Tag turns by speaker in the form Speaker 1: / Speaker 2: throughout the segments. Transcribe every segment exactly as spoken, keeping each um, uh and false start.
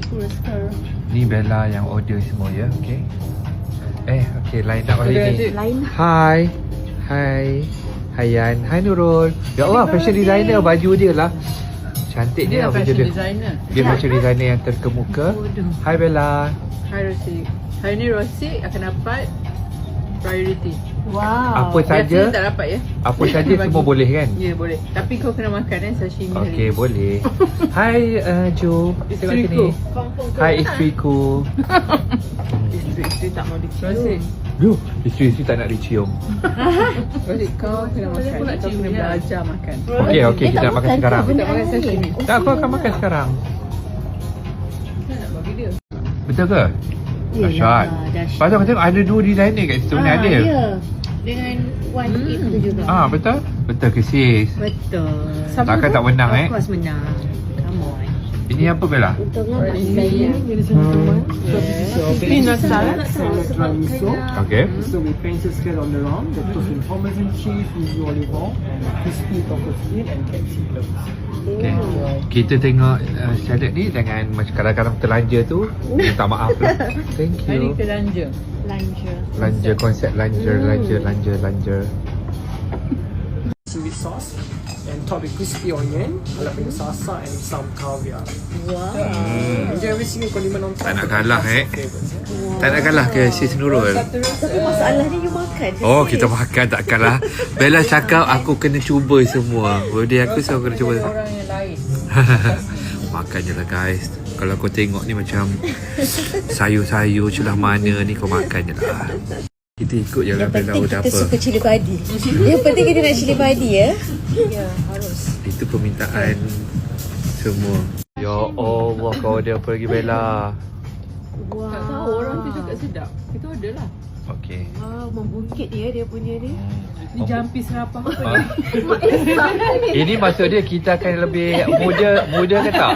Speaker 1: Ni Bella yang order semua ya, okey. Eh, okey, line up hari ni. Hai. Hai. Hai Yan. Hai Nurul. Ya Allah, fashion designer baju dia lah. Cantik dia, dia baju dia. Designer. Dia fashion designer yang terkemuka. Hai Bella.
Speaker 2: Hai Rosie. Hari ni Rosie akan dapat priority.
Speaker 1: Wow. Apa saja?
Speaker 2: Biasanya tak dapat ya.
Speaker 1: Apa saja semua boleh kan?
Speaker 2: Ya, boleh. Tapi kau kena makan eh sashimi hari.
Speaker 1: Okey, boleh. Hai uh, Jo.
Speaker 2: Isteriku.
Speaker 1: Hai isteriku.
Speaker 2: Isteri tak mau dicium.
Speaker 1: Yo, isteri-isteri tak nak dicium.
Speaker 2: Rosie, kau kena makan. Kau kena belajar makan.
Speaker 1: Okey, okey, kita nak makan sekarang.
Speaker 2: Kita makan sashimi.
Speaker 1: Tak, aku akan makan sekarang.
Speaker 2: Kita nak bagi dia.
Speaker 1: Betul ke? Dahsyat. Pasal aku tengok ada dua designer kat situ ni ada.
Speaker 3: Ya. Dengan one hmm. itu juga.
Speaker 1: Ah, betul? Betul ke sis?
Speaker 3: Betul.
Speaker 1: Takkan tak menang eh?
Speaker 3: Of course menang. Come on.
Speaker 1: Ini apa Bella?
Speaker 3: Untungnya saya.
Speaker 2: Peanut salad.
Speaker 4: Salad miso.
Speaker 1: Okay.
Speaker 4: So we pencil scale on the round. The toast with parmesan cheese, yuzu olive oil, crispy taco skin and capsicum.
Speaker 1: Okay. Kita tengok uh, salad ni jangan macam kadang-kadang terlanja tu. Minta maaf lah. Thank
Speaker 2: Hari
Speaker 1: you.
Speaker 2: kita lanja.
Speaker 3: Lanja.
Speaker 1: Lanja konsep lanja, lanja, lanja, lanja.
Speaker 4: Sweet sauce and top with crispy onion, jalapeno salsa and some caviar.
Speaker 3: Wow.
Speaker 1: Hmm.
Speaker 4: Enjoy every single condiment on top.
Speaker 1: Tak nak kalah eh. Tak nak kalah ke sis Nurul?
Speaker 3: Tapi masalahnya you makan.
Speaker 1: Oh, kita makan tak kalah. Bella cakap aku kena cuba semua. Birthday aku so aku kena cuba.
Speaker 2: Orang yang lain.
Speaker 1: Makan je lah guys. Kalau kau tengok ni macam sayur-sayur celah mana ni kau makan je lah. Kita ikut je lah Bella udah apa.
Speaker 3: Kita suka cili padi. Yang penting kita nak cili padi ya. Ya, harus.
Speaker 1: Itu permintaan semua. Ya Allah, kau order apa lagi Bella?
Speaker 2: Wow. Tak tahu orang tu cakap sedap. Kita order lah.
Speaker 1: Okey.
Speaker 3: Wow, membungkit dia dia punya ni.
Speaker 2: Ni jampi serapah apa
Speaker 1: Ah. Ini maksud dia kita akan lebih muda muda ke tak?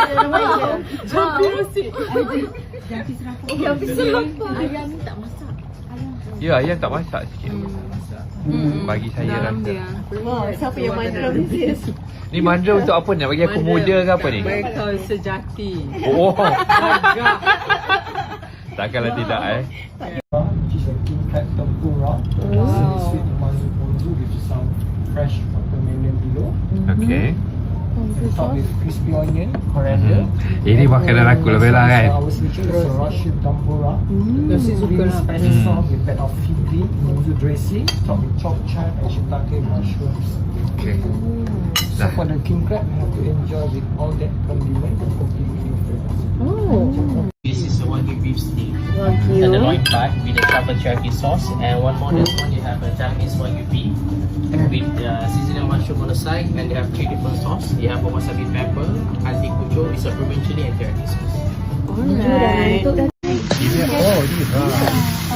Speaker 2: Jampi Rosie.
Speaker 3: Jampi serapah.
Speaker 2: Jampi serapah.
Speaker 3: Ayam ni tak masak.
Speaker 1: Ya, ayam tak masak sikit. Hmm. Bagi saya rasa.
Speaker 3: Wow, siapa yang mandram ni sis?
Speaker 1: Ni mandra untuk apa ni? Nak bagi aku muda ke apa ni?
Speaker 2: Mereka sejati.
Speaker 1: Oh.
Speaker 2: Agak.
Speaker 1: Takkanlah tidak eh.
Speaker 4: Which is a king crab tempura.
Speaker 3: Wow.
Speaker 4: Sweet umami ponzu with some fresh watermelon below.
Speaker 1: Okey.
Speaker 4: And top with crispy onion, coriander.
Speaker 1: Ini makanan aku lah Bella kan.
Speaker 4: Our signature is a Russian tempura.
Speaker 2: Rosie suka
Speaker 4: Green
Speaker 2: lah.
Speaker 4: Spanish sauce with bed of fig green, yuzu dressing, top with chopped chard and shiitake mushrooms.
Speaker 1: Okey.
Speaker 4: So for the king crab, you have to enjoy with all that condiment and completely your flavors.
Speaker 5: This is a Wagyu beef steak.
Speaker 3: Wagyu.
Speaker 5: And the loin part with the truffle cherry sauce. And one more, this one you have a Japanese Wagyu beef with uh, seasonal mushroom on the side. And they have three different sauce. You have a wasabi pepper, hati kucho, is a Peruvian chili and teriyaki sauce.
Speaker 3: Alright.
Speaker 1: Ini oh ni ha.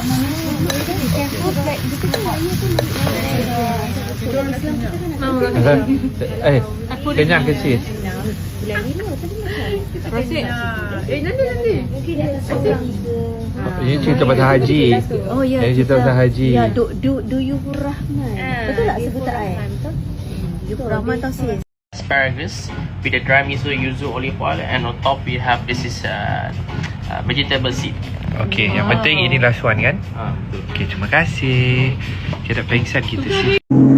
Speaker 1: Eh, kenyang ke sis?
Speaker 2: Rosie. Eh, nanti nanti.
Speaker 1: Ini cerita pasal haji.
Speaker 3: Oh ya.
Speaker 1: Ini cerita pasal haji.
Speaker 3: Ya, du du du Yufur Rahman. Betul tak sebutan ai? Yufur Rahman tau sis.
Speaker 5: Asparagus with the dry miso, yuzu, olive oil, and on top we have this is uh, uh, vegetable seed.
Speaker 1: Okey, yang penting ini last one kan?
Speaker 5: Ah,
Speaker 1: Okey, terima kasih. Kita pengsan kita sih.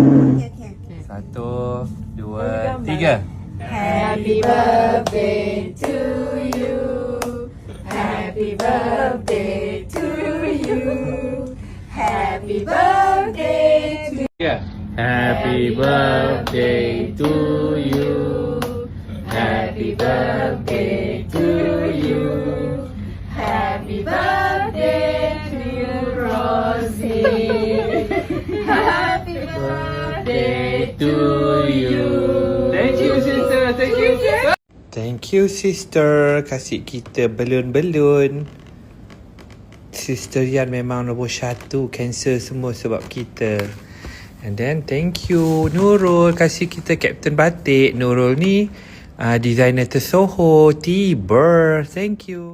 Speaker 1: Satu, dua, tiga.
Speaker 3: Happy birthday to you. Happy birthday to you. Happy birthday to
Speaker 1: Tiga. Happy birthday to you. Happy birthday to you.
Speaker 3: Happy birthday to you, Rosie. Happy birthday
Speaker 1: to you. Thank you sister. Thank you. Thank you sister. Kasih kita belun-belun. Sister Yan memang nombor satu. Cancel semua sebab kita. And then thank you Nurul kasih kita Captain Batik. Nurul ni uh, designer tersohor Tiber. Thank you.